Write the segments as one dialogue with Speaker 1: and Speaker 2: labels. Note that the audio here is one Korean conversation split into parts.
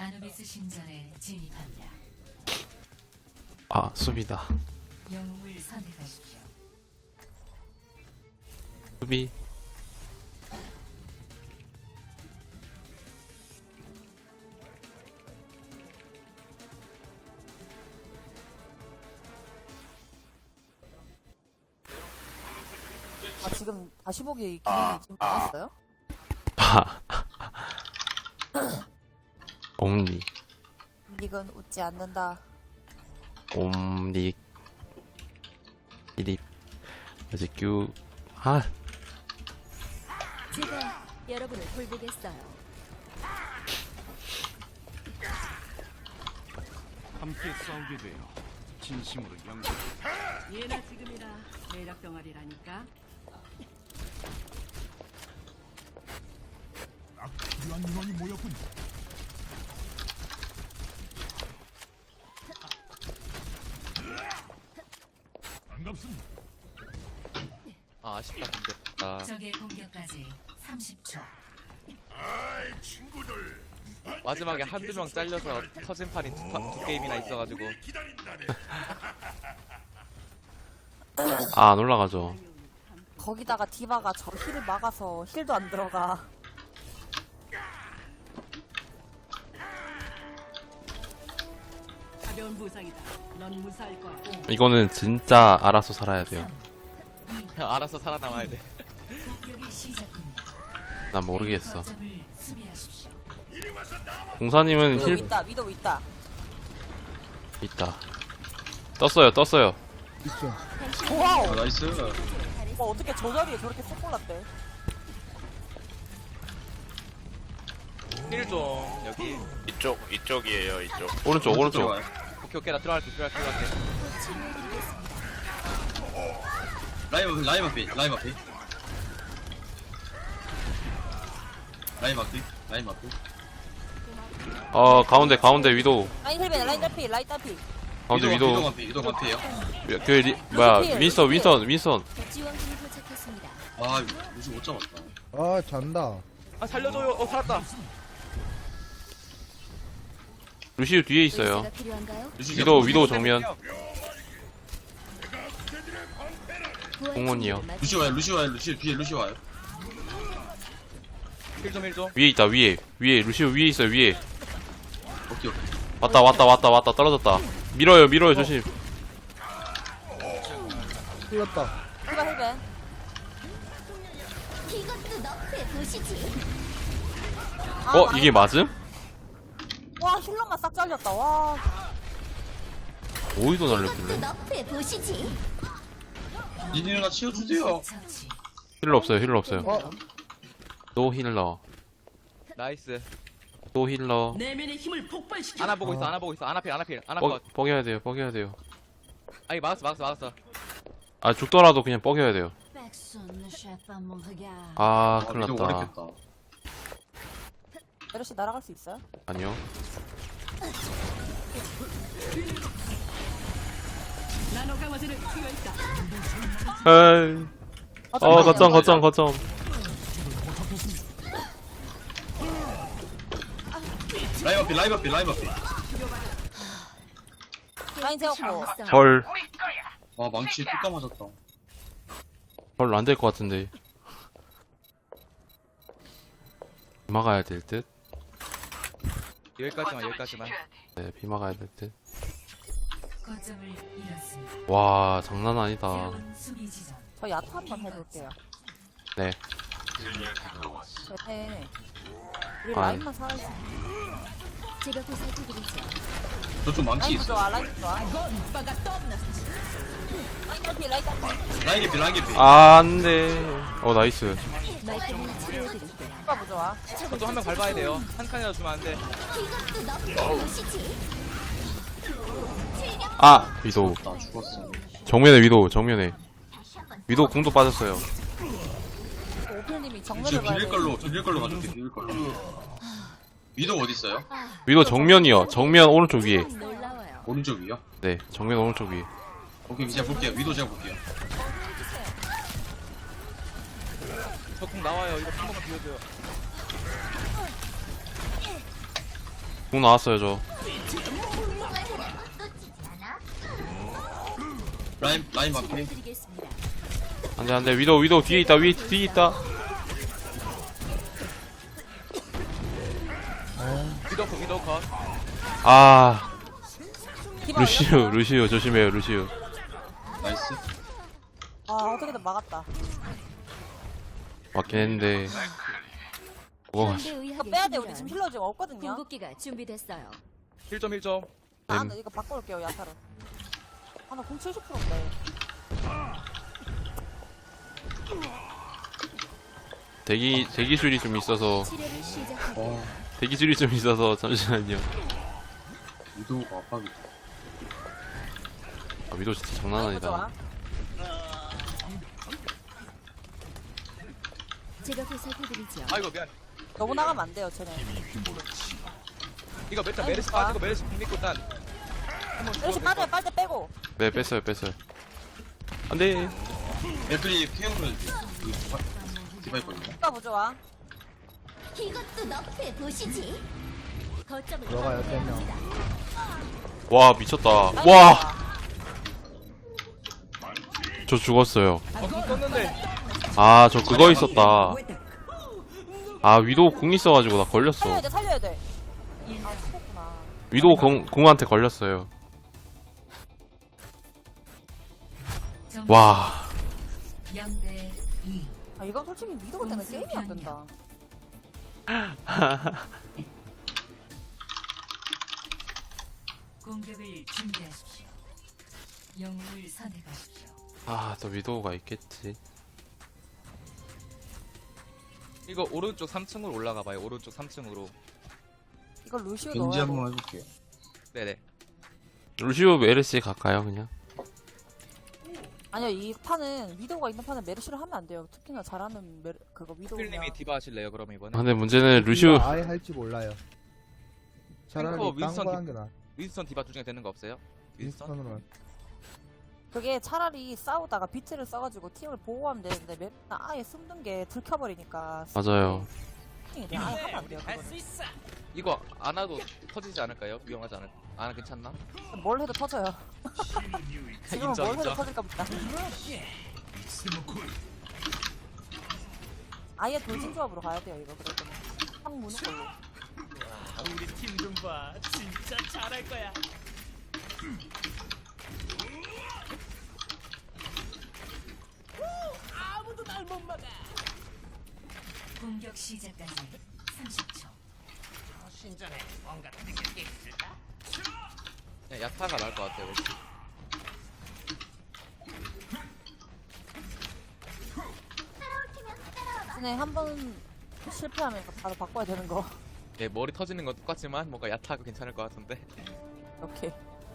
Speaker 1: 아누비스 신전에 진입합니다.
Speaker 2: 아, 수비다.
Speaker 1: 영웅을 선택하십시오.
Speaker 2: 수비.
Speaker 3: 아, 지금 다시 보기 기능이 지금 나왔어요?
Speaker 2: 옴니.
Speaker 3: 닉은 웃지 않는다.
Speaker 2: 옴니. 이리. 아직 규. 아,
Speaker 4: 제가 여러분을 돌보겠어요.
Speaker 5: 함께 싸우게 되어 진심으로 영광.
Speaker 6: 예나 지금이나 매력 덩어리라니까.
Speaker 5: 필요한 인원이 모였군. 반갑습니다.
Speaker 7: 아, 아쉽다 근데. 아,
Speaker 1: 적의 공격까지 30초.
Speaker 7: 마지막에 한두 명 잘려서 터진 판이 두 게임이나 있어가지고.
Speaker 2: 아, 안 올라가죠.
Speaker 3: 거기다가 디바가 저 힐을 막아서 힐도 안 들어가.
Speaker 6: 가벼운 부상이다. 넌 무사할 거야.
Speaker 2: 이거는 진짜 알아서 살아야 돼요.
Speaker 7: 그냥 알아서 살아남아야 돼.
Speaker 1: 공격이 시작됩니다.
Speaker 2: 난 모르겠어.
Speaker 1: 거점을 수비하십시오.
Speaker 2: 공사님은
Speaker 3: 위도우
Speaker 2: 힐
Speaker 3: 있다, 위도우 있다.
Speaker 2: 있다. 떴어요.
Speaker 3: 와우!
Speaker 7: 나이스.
Speaker 3: 어떻게 저 자리에 저렇게 쏙 골랐대?
Speaker 7: 힐 좀, 여기.
Speaker 8: 이쪽이에요, 이쪽.
Speaker 2: 오른쪽.
Speaker 7: 오케이, 나 들어갈게.
Speaker 9: 라임 앞에
Speaker 2: 가운데 위도우.
Speaker 3: 라인 힐벤, 라인 딸피, 라인 딸피.
Speaker 2: 가운데 위도우.
Speaker 9: 위도 앞에요.
Speaker 2: 윈선.
Speaker 4: 지원군이 도착했습니다.
Speaker 9: 아 루시 못 잡았다.
Speaker 10: 아 잔다.
Speaker 7: 아, 살려줘요. 살았다.
Speaker 2: 루시우 뒤에 있어요.
Speaker 4: 의사가 필요한가요?
Speaker 9: 루시
Speaker 2: 위도우 정면.
Speaker 4: 부활
Speaker 2: 공원이요.
Speaker 4: 준비를
Speaker 9: 루시 와요. 루시 뒤에 루시 와요.
Speaker 7: 힐 좀.
Speaker 2: 위에 있다. 위에 루시우 위에 있어요. 위에.
Speaker 9: 오케이.
Speaker 2: 왔다. 떨어졌다. 밀어요. 조심.
Speaker 10: 틀렸다.
Speaker 3: 디바 힐벤.
Speaker 4: 이것도 너프에 보시지.
Speaker 2: 이게 맞음?
Speaker 3: 와, 힐러만 싹 잘렸다. 와.
Speaker 2: 어디서
Speaker 4: 이것도
Speaker 2: 날렸길래?
Speaker 4: 너프에 보시지.
Speaker 9: 니네가 치워주세요.
Speaker 1: 처치.
Speaker 2: 힐러 없어요.
Speaker 10: 어?
Speaker 2: 노 힐러.
Speaker 7: 나이스.
Speaker 2: 노 힐러.
Speaker 6: 내면의 힘을 폭발시켜.
Speaker 7: 하나 보고 있어. 하나 필. 하나
Speaker 2: 뻐,
Speaker 7: 컷.
Speaker 2: 뻐겨야 돼요.
Speaker 7: 아니, 막았어.
Speaker 2: 아, 죽더라도 그냥 뻐겨야 돼요. 아, 큰일
Speaker 9: 위도
Speaker 2: 났다.
Speaker 9: 오래겠다.
Speaker 3: 메르시 날아갈 수 있어요?
Speaker 2: 아니요.
Speaker 6: 나노 강화제를 투여했다.
Speaker 2: 에이. 거점.
Speaker 9: 라임 앞에.
Speaker 3: 라인 세웠고.
Speaker 2: 헐.
Speaker 9: 아 망치 뚝 감아졌다.
Speaker 2: 별로 안 될 것 같은데. 비 막아야 될 듯?
Speaker 7: 여기까지만.
Speaker 2: 네, 비 막아야 될 듯.
Speaker 1: 거점을 잃었습니다.
Speaker 2: 와, 장난 아니다.
Speaker 1: 새로운 수비 지점.
Speaker 3: 저 야타 한번 해볼게요.
Speaker 2: 네.
Speaker 3: 네. 우리
Speaker 2: 아이.
Speaker 3: 라인만 살아있어.
Speaker 4: 제가 보살펴드리죠.
Speaker 9: 저쪽 망치
Speaker 3: 라인
Speaker 9: 있어.
Speaker 3: 좋아, 라인 좋아. 라인 딸피.
Speaker 9: 라인 개피.
Speaker 2: 안 돼. 나이스.
Speaker 4: 말끔히 치료해드릴게요.
Speaker 3: 디바 부좋아.
Speaker 7: 저도 한 명 밟아야 돼요. 한 칸이라도 주면 안 돼.
Speaker 4: 이것도 너프에 보시지.
Speaker 2: 아! 위도우.
Speaker 9: 나 죽었어.
Speaker 2: 정면에 위도우 궁도 빠졌어요.
Speaker 3: 오필님이
Speaker 9: 지금
Speaker 3: 정면을 봐야
Speaker 9: 비빌
Speaker 3: 돼.
Speaker 9: 걸로 가줄게. 비빌 걸로. 위도 어디 있어요?
Speaker 2: 위도우 정면이요. 정면 오른쪽 위에.
Speaker 4: 놀라워요.
Speaker 9: 오른쪽 위요?
Speaker 2: 네, 정면 오른쪽 위에.
Speaker 9: 오케이 제가 볼게요. 위도 제가 볼게요.
Speaker 7: 저궁 나와요. 이거 한 번만 비워줘요.
Speaker 2: 궁 나왔어요 저.
Speaker 9: 라인 맞게.
Speaker 4: 드리겠습니다.
Speaker 2: 안돼 안돼 위도우 뒤에 있다 뒤에 있다.
Speaker 7: 위도 컷.
Speaker 2: 아
Speaker 3: 디바
Speaker 2: 루시우 조심해요 루시우.
Speaker 9: 나이스.
Speaker 3: 아 어떻게든 막았다.
Speaker 2: 맞긴 했는데 뭐가
Speaker 3: 이거 빼야 돼. 우리 지금 힐러 지금 없거든요.
Speaker 4: 궁극기가 준비됐어요.
Speaker 7: 1점.
Speaker 3: 아, 나 이거 바꿔올게요 야타로. 아나 공 70%인데.
Speaker 2: 대기술이 좀 있어서
Speaker 4: 치료를 시작합니다.
Speaker 2: 대기술이 좀 있어서 잠시만요.
Speaker 9: 위도우가 압박이다.
Speaker 2: 아, 위도 진짜 장난
Speaker 3: 라인
Speaker 2: 아니다.
Speaker 3: 좋아.
Speaker 4: 제가 보살펴드리죠.
Speaker 7: 아이고 미안.
Speaker 3: 너무 나가면 안 돼요 쟤네.
Speaker 7: 이거 메타
Speaker 3: 아이고,
Speaker 7: 메르시
Speaker 3: 좋아.
Speaker 7: 빠지고 메르시 궁 믿고 일단
Speaker 3: 이렇게 빠져요. 빨대 빼고.
Speaker 2: 네 뺐어요. 안돼.
Speaker 9: 애들이 피해보면 디바 있거든요.
Speaker 3: 디바 부좋아.
Speaker 4: 이것도 너프해 보시지. 거점을
Speaker 10: 들어가요, 세 명.
Speaker 2: 와 미쳤다.
Speaker 3: 라인
Speaker 2: 와
Speaker 3: 좋아.
Speaker 2: 저 죽었어요.
Speaker 7: 궁 썼는데
Speaker 2: 아 저 그거 있었다. 아 위도우 궁 있어가지고 나 걸렸어.
Speaker 3: 살려야 돼. 아 죽었구나.
Speaker 2: 위도우 궁한테 걸렸어요.
Speaker 1: 점수
Speaker 2: 와
Speaker 1: 0대 2.
Speaker 3: 아 이건 솔직히 미도가 때문에 게임이 안 된다.
Speaker 1: 공격을 준비하십시오. 영웅을 선택하십시오.
Speaker 2: 아 또 위도우가 있겠지.
Speaker 7: 이거 오른쪽 3층으로 올라가 봐요. 오른쪽 3층으로.
Speaker 3: 이거 루시오
Speaker 9: 겐지
Speaker 3: 넣어야 돼.
Speaker 9: 한번 해볼게요.
Speaker 7: 네네.
Speaker 2: 루시우 메르시 갈까요 그냥?
Speaker 3: 아니요 이 판은 위도우가 있는 판은 메르시를 하면 안 돼요. 특히나 잘하는 그거 위도우가.
Speaker 7: 필님이 디바 하실래요? 그럼 이번에.
Speaker 2: 아, 근데 문제는 루시우
Speaker 10: 아예 할지 몰라요. 차라리
Speaker 7: 탱커
Speaker 10: 딴
Speaker 7: 윈스턴
Speaker 10: 거 한 게 나아.
Speaker 7: 윈스턴 디바 중에 되는 거 없어요? 윈스턴?
Speaker 10: 윈스턴으로.
Speaker 3: 그게 차라리 싸우다가 비트를 써가지고 팀을 보호하면 되는데 메르시는 아예 숨는 게 들켜버리니까.
Speaker 2: 맞아요.
Speaker 3: 그냥 아예 하면 안 돼요. 그거는.
Speaker 7: 이거 안 와도 터지지 않을까요? 위험하지 않을? 안 괜찮나?
Speaker 3: 뭘 해도 터져요. 지금은
Speaker 7: 인정,
Speaker 3: 뭘 해도
Speaker 7: 인정.
Speaker 3: 터질까 보다. 아예 돌진 조합으로 가야 돼요 이거 그럴 때는. 확 무는 걸로.
Speaker 5: 우리 팀 좀 봐. 진짜 잘할 거야. 아무도 날 못 막아.
Speaker 1: 공격 시작까지 30초.
Speaker 5: 신전에 뭔가 느낄 게 있을까?
Speaker 7: 그냥 야타가 나을 것 같아요. 왠지.
Speaker 3: 근데 한번 실패하면 바로 바꿔야 되는 거.
Speaker 7: 예, 머리 터지는 건 똑같지만 뭔가 야타가 괜찮을 것 같은데.
Speaker 3: 이렇게.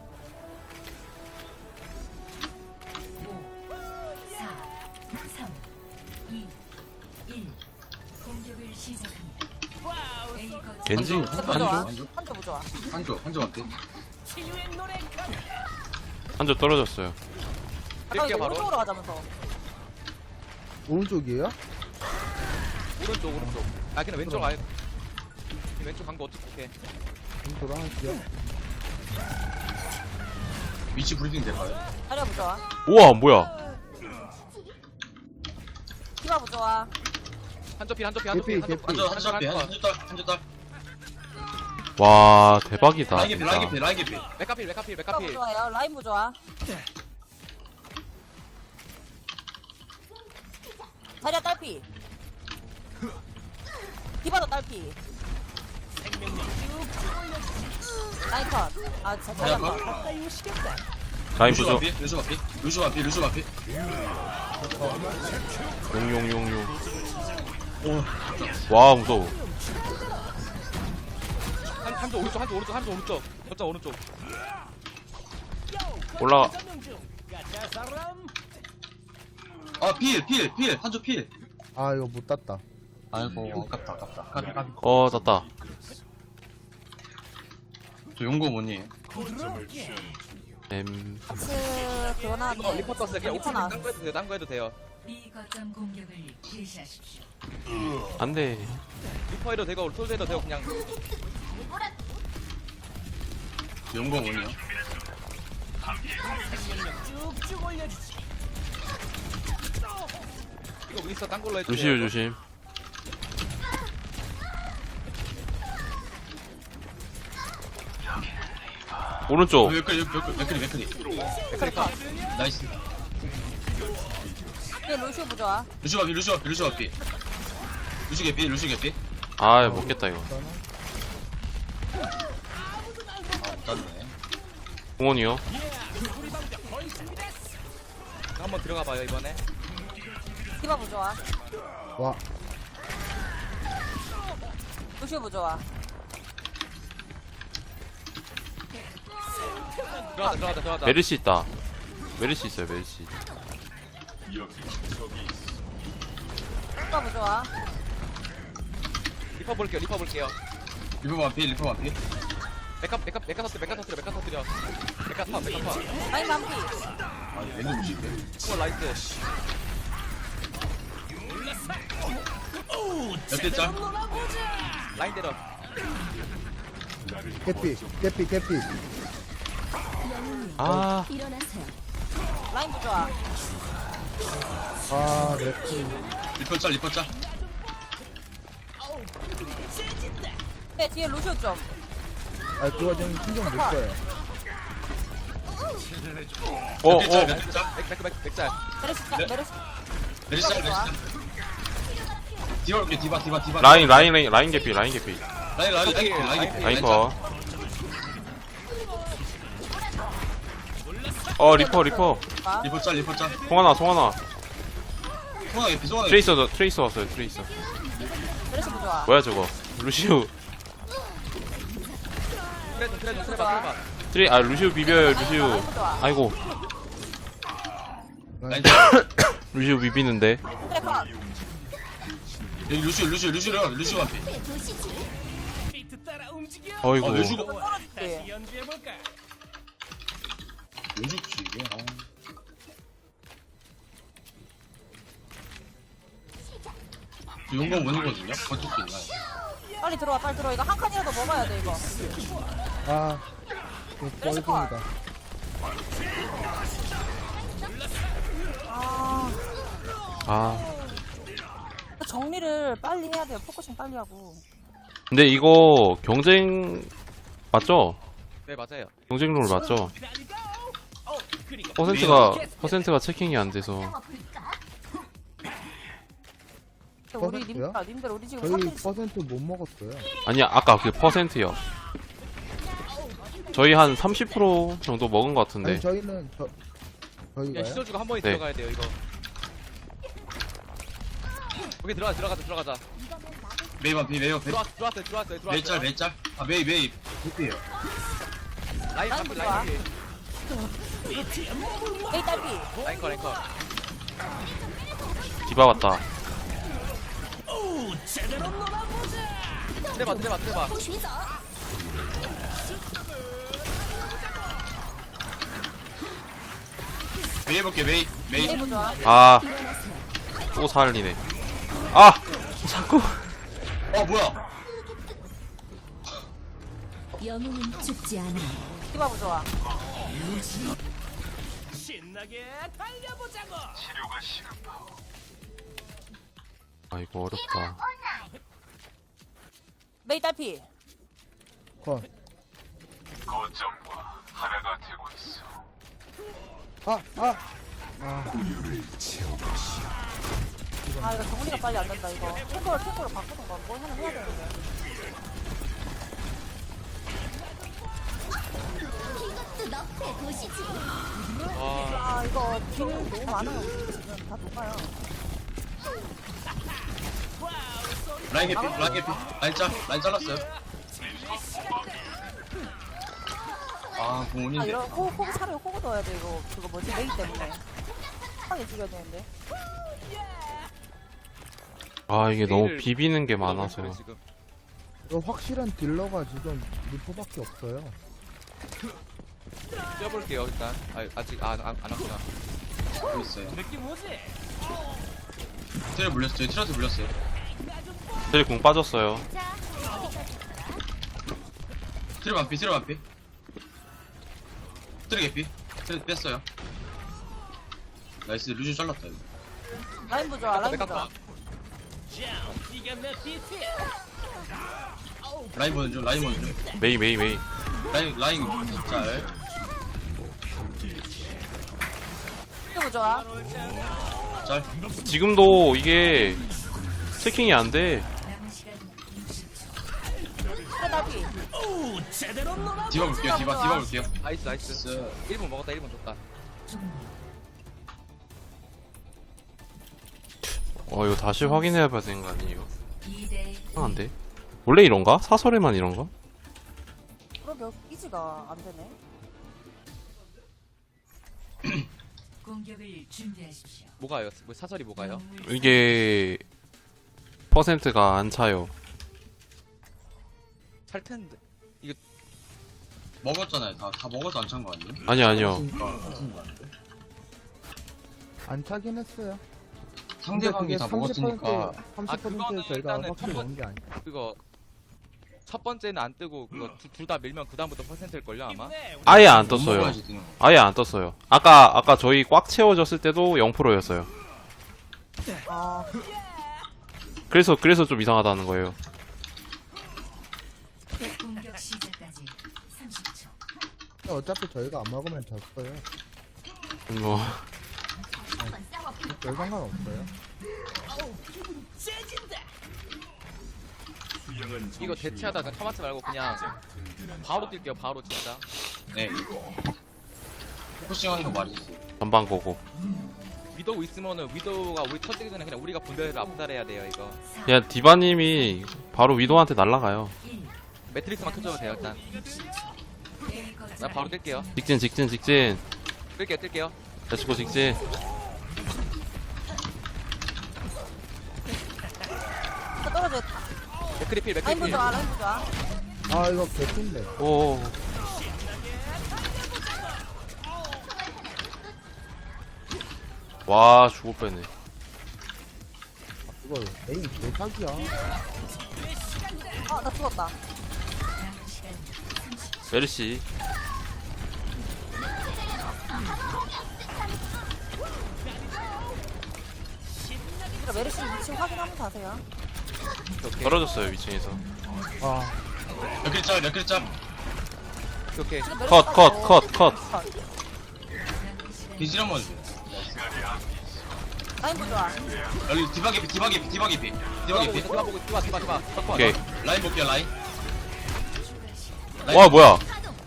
Speaker 1: 5, 4, 3, 2, 1. 공격을 시작합니다. A 거점
Speaker 2: 겐지
Speaker 3: 한조 부좋아.
Speaker 9: 한조한테.
Speaker 2: 한조 떨어졌어요.
Speaker 3: 아까 이거
Speaker 7: 뛸게요, 바로.
Speaker 3: 오른쪽으로 가자면서.
Speaker 10: 오른쪽이에요?
Speaker 7: 오른쪽. 아, 그냥 왼쪽 아예. 왼쪽 간 거 어떻게?
Speaker 10: 오른쪽으로 할게요.
Speaker 9: 위치 브리핑 될까요?
Speaker 3: 자리야 부좋아.
Speaker 2: 우와 뭐야?
Speaker 3: 디바 부좋아.
Speaker 7: 한쪽 필.
Speaker 9: 한조 딸.
Speaker 2: 와 대박이다.
Speaker 9: 라인
Speaker 2: 진짜.
Speaker 9: 개피.
Speaker 7: 메카필.
Speaker 3: 디바 부좋아요. 라인 부좋아. 자리야 딸피. 디바도 딸피. 라인 컷. 아 진짜
Speaker 9: 자리야
Speaker 3: 잘한다.
Speaker 2: 라인 부조.
Speaker 9: 루슈 반피.
Speaker 2: 용용용용. 와 무서워.
Speaker 7: 한쪽 오른쪽. 거점 오른쪽.
Speaker 2: 올라가.
Speaker 9: 아, 필. 한조 필.
Speaker 10: 아 이거 못 땄다.
Speaker 9: 아이고, 아깝다.
Speaker 2: 땄다.
Speaker 9: 저 용거 뭐니?
Speaker 3: 같이 그거 나왔네.
Speaker 7: 리퍼 떴어요. 그냥
Speaker 3: 리퍼
Speaker 7: 오픈
Speaker 3: 나왔어.
Speaker 7: 딴 거 해도 돼요.
Speaker 1: B 거점 공격을 개시하십시오.
Speaker 2: 안돼.
Speaker 7: 리퍼 해도 되고 솔드 해도 되고 그냥
Speaker 9: 용거 뭐냐?
Speaker 7: 이거 윈스턴 딴 걸로 해주세요.
Speaker 2: 루시우 조심. 오른쪽.
Speaker 9: 맥크리. 나이스.
Speaker 3: 얘 루시오 부좋아.
Speaker 9: 루시오 개피.
Speaker 2: 아, 먹겠다, 이거.
Speaker 9: 못 땄네.
Speaker 2: 공원이요.
Speaker 7: 한번 들어가봐요 이번에.
Speaker 3: 디바 부좋아.
Speaker 10: 와,
Speaker 3: 루시오 부좋아.
Speaker 7: 들어가자.
Speaker 2: 메르시 있다. 메르시 있어요, 메르시.
Speaker 3: 디바 부좋아.
Speaker 7: 리퍼 볼게요.
Speaker 9: 리퍼 반피.
Speaker 7: 메카 터뜨려. 메카 파.
Speaker 3: 라인 만피.
Speaker 9: 아, 왼쪽 무시인데?
Speaker 7: 라이트.
Speaker 9: 몇대 짤?
Speaker 7: 라인 때려.
Speaker 10: 개피.
Speaker 2: 아,
Speaker 4: 일어나세요.
Speaker 3: 라인 부좋아.
Speaker 10: 아, 맥주.
Speaker 9: 리퍼 짤.
Speaker 3: 네, 뒤에 루시오 좀.
Speaker 10: 아, 그거 좀 신경 못 써요.
Speaker 9: 몇대 짤?
Speaker 7: 맥짤.
Speaker 3: 메르시.
Speaker 9: 메리시 짤. 디바 올게, 디바.
Speaker 2: 라인 개피.
Speaker 9: 라인
Speaker 2: 라인 거. 리퍼.
Speaker 9: 리퍼 짤.
Speaker 2: 송하나.
Speaker 9: 송아 개피.
Speaker 2: 트레이서 왔어요, 트레이서.
Speaker 3: 메르시 부좋아.
Speaker 2: 뭐야, 저거. 루시우.
Speaker 7: 트레.
Speaker 2: 루시우 비벼요, 루시우.
Speaker 3: 라인 부좋아.
Speaker 2: 아이고,
Speaker 9: 라인 짤.
Speaker 2: 루시우 비비는데.
Speaker 3: 트래커.
Speaker 9: 여기 루시오 반피.
Speaker 4: 보시지.
Speaker 2: 어이구.
Speaker 9: 왜 죽어?
Speaker 3: 네.
Speaker 9: 왜 죽지, 이게? 용거 원이거든요? 거쪽도 있나요?
Speaker 3: 빨리 들어와. 이거 한 칸이라도 먹어야 돼, 이거.
Speaker 10: 아, 이거 뻘둥이다.
Speaker 2: 아.
Speaker 3: 정리를 빨리 해야 돼요. 포커싱 빨리 하고.
Speaker 2: 근데 이거 경쟁 맞죠?
Speaker 7: 네 맞아요.
Speaker 2: 경쟁 룰 맞죠? 퍼센트가 체킹이 안 돼서.
Speaker 3: 우리
Speaker 10: 퍼센트요?
Speaker 3: 님들 우리 지금
Speaker 10: 저희
Speaker 3: 3대
Speaker 10: 퍼센트 못 먹었어요.
Speaker 2: 아니야, 아까 그 퍼센트요. 저희 한 30% 정도 먹은 것 같은데.
Speaker 10: 아니, 저희는
Speaker 7: 그냥
Speaker 10: 저희가요?
Speaker 7: 시도주고 한 번에
Speaker 2: 네.
Speaker 7: 들어가야 돼요 이거. 오케이 들어가자.
Speaker 9: 메이 반피.
Speaker 7: 들어왔어요.
Speaker 9: 메이 짤. 아, 메이. 개피에요.
Speaker 7: 라인
Speaker 3: 라인
Speaker 7: 컷.
Speaker 3: 좋아.
Speaker 7: 라인
Speaker 3: 에이 딸피.
Speaker 7: 컷.
Speaker 2: 디바 왔다.
Speaker 7: 트레바.
Speaker 9: 메이 해볼게, 메이.
Speaker 3: 에이 부좋아.
Speaker 2: 아, 또 살리네. 아! 자꾸.
Speaker 9: 뭐야?
Speaker 4: 영웅은 죽지 않아.
Speaker 3: 디바 부좋아.
Speaker 2: 아, 이거 어렵다.
Speaker 3: 메이 딸피.
Speaker 10: 컷.
Speaker 3: 아 이거 정리가 빨리 안 된다 이거. 탱커를 바꾸던가 뭘 하나 해야 되는데.
Speaker 4: 이것도 너프에 보시지.
Speaker 3: 아 이거 딜 너무 많아요. 지금 다 녹아요.
Speaker 9: 라인 개피. 라인 잘랐어요. 아, 공원인데.
Speaker 3: 이런 호구 차라리 호구 넣어야 돼 이거. 그거 뭐지 메이 때문에. 하게 죽여야 되는데.
Speaker 2: 아, 이게 너무
Speaker 7: 딜을
Speaker 2: 비비는 게 많아서.
Speaker 7: 지금.
Speaker 10: 이거 확실한 딜러가 지금 리포밖에 없어요.
Speaker 7: 뛰어볼게요 일단. 아직 안 왔구나.
Speaker 9: 보고 있어요. 트레 물렸어요. 트레한테 물렸어요.
Speaker 2: 저희 공 빠졌어요.
Speaker 9: 트레 반피. 트랙 개피. 트랙 뺐어요. 나이스. 루즈 잘랐다 이거.
Speaker 3: 라인 부좋아, 라인
Speaker 7: 내가
Speaker 3: 부좋아.
Speaker 9: 라인 보는 중. 라인 보는 중.
Speaker 2: 메이 메이 메이.
Speaker 9: 라인 잘.
Speaker 3: 또 부좋아.
Speaker 9: 잘.
Speaker 2: 지금도 이게 체킹이 안 돼.
Speaker 1: 남은 시간 60초.
Speaker 3: 그래, 나비.
Speaker 9: 디바 볼게요. 디바 볼게요.
Speaker 7: 나이스 나이스. 1분 먹었다 1분 줬다.
Speaker 1: 종료.
Speaker 2: 이거 다시 확인해봐야 되는 거 아니에요?
Speaker 1: 2대
Speaker 2: 이상한데? 원래 이런가? 사설에만 이런가?
Speaker 3: 그러게, 이지가 안 되네.
Speaker 1: 공격을 준비하십시오.
Speaker 7: 뭐가요? 뭐 사설이 뭐가요?
Speaker 2: 이게 퍼센트가 안 차요.
Speaker 7: 찰 텐데.
Speaker 9: 먹었잖아요. 다 먹어서 안 찬 거 아니에요?
Speaker 2: 아니요.
Speaker 10: 안 차긴 했어요.
Speaker 9: 상대방이 다 먹었으니까
Speaker 10: 30%
Speaker 7: 그거는
Speaker 10: 저희가
Speaker 7: 일단은
Speaker 10: 확실히
Speaker 7: 첫
Speaker 10: 먹은 게 아니에요.
Speaker 7: 그거 첫 번째는 안 뜨고 그거 둘 다 밀면 그 다음부터 퍼센트일 걸요 아마.
Speaker 2: 아예 안
Speaker 9: 못
Speaker 2: 떴어요.
Speaker 9: 먹어야지 되는 거.
Speaker 2: 아예 안 떴어요. 아까 저희 꽉 채워졌을 때도 0%였어요.
Speaker 3: 아,
Speaker 2: 그래서 좀 이상하다는 거예요.
Speaker 1: 공격 시작까지 30초.
Speaker 10: 어차피 저희가 안 먹으면 졌어요.
Speaker 2: 뭐
Speaker 10: 별 상관없어요.
Speaker 7: 이거 대체하다가 터마트 말고 그냥 바로 뛸게요 바로 진짜.
Speaker 9: 네. 포커싱하는 거 말해주세요.
Speaker 2: 전방 보고.
Speaker 7: 위도우 있으면은 위도우가 우리 터지기 전에 그냥 우리가 분대를 압살해야 돼요 이거.
Speaker 2: 그냥 디바님이 바로 위도한테 날라가요.
Speaker 1: 1.
Speaker 7: 매트릭스만 켜줘도 돼요 일단.
Speaker 1: A 거점
Speaker 7: 나 바로 뛸게요.
Speaker 2: 직진.
Speaker 7: 뜰게요.
Speaker 2: 야치고 직진.
Speaker 3: 또 떨어져 있다.
Speaker 7: 맥크리필
Speaker 3: 라인
Speaker 7: 맥크리필.
Speaker 3: 부좋아, 라인 부좋아.
Speaker 10: 아 이거 개핀데.
Speaker 2: 오. 와 죽을 뻔했네.
Speaker 10: 이거 에이 개사기야.
Speaker 3: 나 죽었다.
Speaker 1: 남은 시간
Speaker 2: 메르시.
Speaker 3: 그래, 메르시 위치 확인하면서 하세요.
Speaker 7: 오케이.
Speaker 2: 떨어졌어요 위층에서.
Speaker 10: 아
Speaker 9: 몇 글자.
Speaker 7: 오케이.
Speaker 3: 지금 메르시
Speaker 2: 컷.
Speaker 9: 비질 한번 주세요.
Speaker 3: 라인 부좋아.
Speaker 9: 여기 디바 개피.
Speaker 7: 디바.
Speaker 2: 오케이.
Speaker 9: 라인 볼게요. 라인.
Speaker 2: 와 뭐야?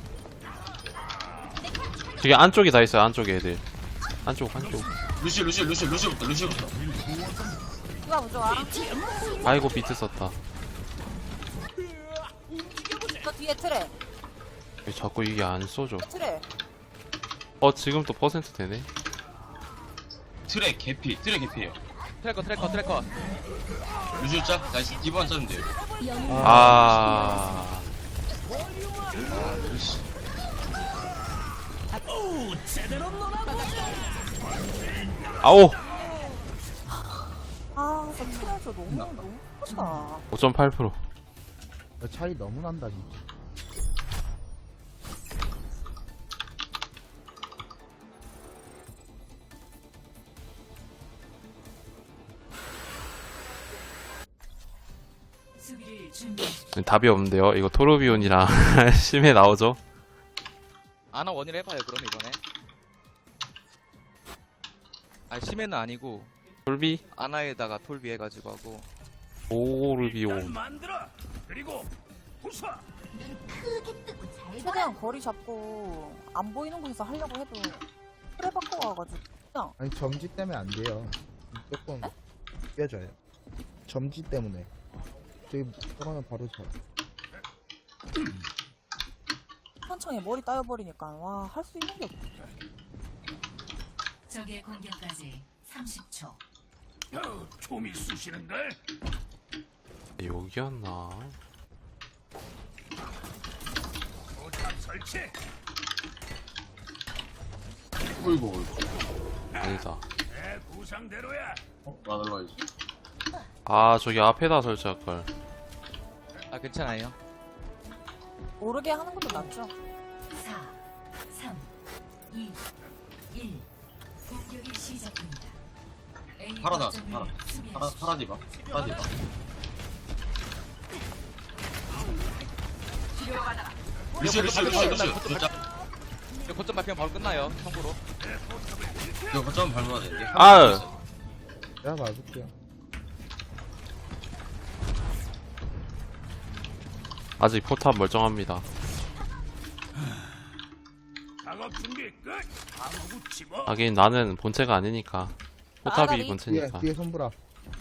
Speaker 2: 저기 안쪽에 다 있어요. 안쪽에 애들. 안쪽.
Speaker 9: 루시부터.
Speaker 3: 누가 부좋아.
Speaker 2: 아이고 비트 썼다.
Speaker 3: 저 뒤에 트레.
Speaker 2: 왜 자꾸 이게 안 쏘죠?
Speaker 3: 트레.
Speaker 2: 지금 또 퍼센트 되네.
Speaker 9: 트랙 개피예요.
Speaker 7: 트래커.
Speaker 9: 루시 짜. 나이스. 디바만 짜면 돼요.
Speaker 2: 아. 아오.
Speaker 3: 저 트레 저 너무 크다.
Speaker 2: 5.8%.
Speaker 10: 차이 너무 난다 진짜.
Speaker 1: 수비를 준비하십시오.
Speaker 2: 답이 없는데요. 이거 토르비온이랑 심해 나오죠?
Speaker 7: 아나 원일 해봐요 그럼 이번에. 심해는 아니고
Speaker 2: 톨비?
Speaker 7: 아나에다가 톨비 해가지고 하고.
Speaker 2: 오르비온.
Speaker 3: 최대한 거리 잡고 안 보이는 곳에서 하려고 해도 트레 바꿔 와가지고 그냥
Speaker 10: 아니 점지 때문에 안 돼요. 조금 깨져요. 점지 때문에. 저기 들어가면 바로 져.
Speaker 3: 한창에 머리 따여버리니까 와 할 수 있는 게 없어.
Speaker 1: 적의 공격까지 30초.
Speaker 2: 여기였나?
Speaker 9: 어이구.
Speaker 2: 아니다.
Speaker 9: 나 날라가야지.
Speaker 2: 저기 앞에다 설치할걸.
Speaker 7: 괜찮아요.
Speaker 3: 모르게 하는 것도 낫죠.
Speaker 1: 4, 3, 2, 1. 공격이 시작됩니다. A
Speaker 9: 파라 나왔어,
Speaker 1: 거점을
Speaker 9: 파라.
Speaker 1: 수비하십시오.
Speaker 9: 파라디바. 파라디바. 루시. 진짜.
Speaker 7: 이거 거점 밟히면 바로 끝나요. 참고로.
Speaker 9: 이거 거점 밟아야 돼.
Speaker 2: 아유.
Speaker 10: 내가 봐줄게요.
Speaker 2: 아직 포탑 멀쩡합니다.
Speaker 5: 작업 준비 끝. 아무구 집어.
Speaker 2: 하긴 나는 본체가 아니니까. 포탑이
Speaker 3: 아가리.
Speaker 10: 뒤에
Speaker 2: 본체니까.
Speaker 10: 뒤에 손보라.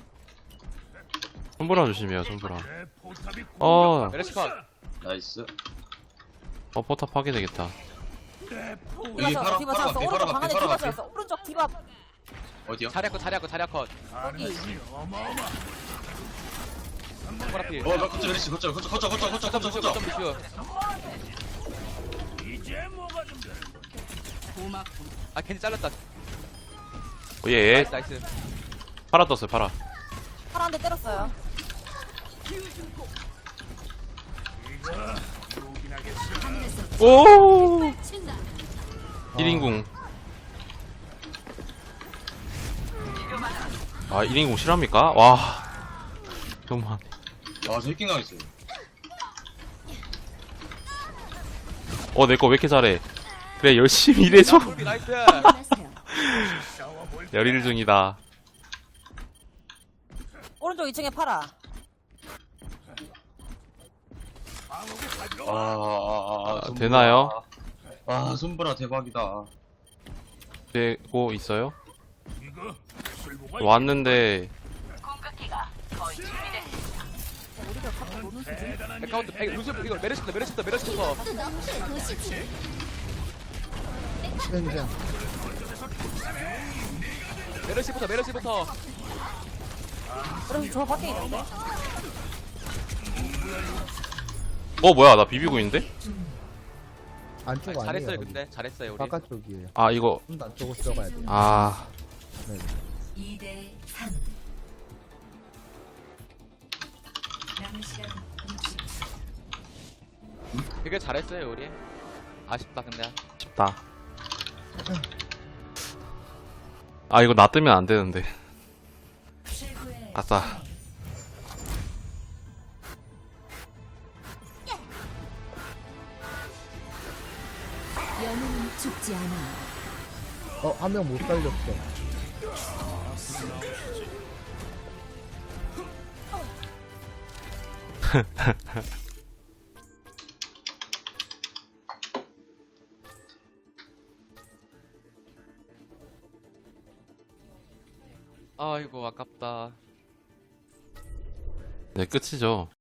Speaker 2: 손보라 조심해요, 손보라.
Speaker 5: 내 포탑이
Speaker 7: 메르시 컷.
Speaker 9: 나이스.
Speaker 2: 포탑 하게 되겠다.
Speaker 9: 여기
Speaker 3: 디바
Speaker 9: 파라,
Speaker 3: 디바
Speaker 9: 파라
Speaker 3: 잡았어.
Speaker 9: 앞에,
Speaker 3: 오른쪽
Speaker 9: 파라
Speaker 3: 방
Speaker 9: 앞에,
Speaker 3: 안에
Speaker 9: 파라
Speaker 3: 디바
Speaker 9: 앞에.
Speaker 3: 잡았어. 오른쪽 디바
Speaker 9: 어디요?
Speaker 7: 자리야 컷.
Speaker 3: 여기.
Speaker 7: 파라필.
Speaker 9: 나 거점 메리시, 거점
Speaker 7: 거점 비슈.
Speaker 5: 이제 뭐가 좀 돼.
Speaker 6: 고맙군.
Speaker 7: 아 겐지 잘랐다.
Speaker 2: 예,
Speaker 7: 나이스.
Speaker 2: 파라 떴어요, 파라.
Speaker 3: 파라 한 대 때렸어요.
Speaker 2: 오! 1인궁. 아, 1인궁 실합니까? 와. 너무하네.
Speaker 9: 와, 저 해킹 당했어요.
Speaker 2: 내 거 왜 이렇게 잘해? 그래, 열심히 일해줘.
Speaker 7: 나이스.
Speaker 4: 일어나세요.
Speaker 2: 열일 중이다.
Speaker 3: 오른쪽 2층에 파라.
Speaker 9: 손보라.
Speaker 2: 되나요?
Speaker 9: 와, 손보라 대박이다.
Speaker 2: 되고 있어요?
Speaker 5: 이거 술보가
Speaker 2: 왔는데,
Speaker 3: 우리가 갖고 노는 수준.
Speaker 7: 백카운트 루시 이거 메르시부터.
Speaker 4: 또 너프의 도시지.
Speaker 10: 그냥
Speaker 7: 메르시부터.
Speaker 3: 그럼 저 밖에 있는데.
Speaker 2: 뭐야, 나 비비고 있는데?
Speaker 10: 안쪽 아니에요.
Speaker 7: 잘했어요
Speaker 10: 거기.
Speaker 7: 근데 잘했어요 우리.
Speaker 10: 바깥쪽이에요.
Speaker 2: 아, 이거,
Speaker 10: 좀 더 안쪽으로 들어가야 돼요.
Speaker 2: 아,
Speaker 1: 2대 3. 남은 시간 60초.
Speaker 7: 되게 잘했어요 우리. 아쉽다 근데.
Speaker 2: 쉽다. 아, 이거 나 뜨면 안 되는데.
Speaker 1: 최고의
Speaker 2: 아싸.
Speaker 4: 영웅은 죽지 않아.
Speaker 10: 한 명 못 살렸어.
Speaker 7: 아이고 아깝다.
Speaker 2: 네, 끝이죠.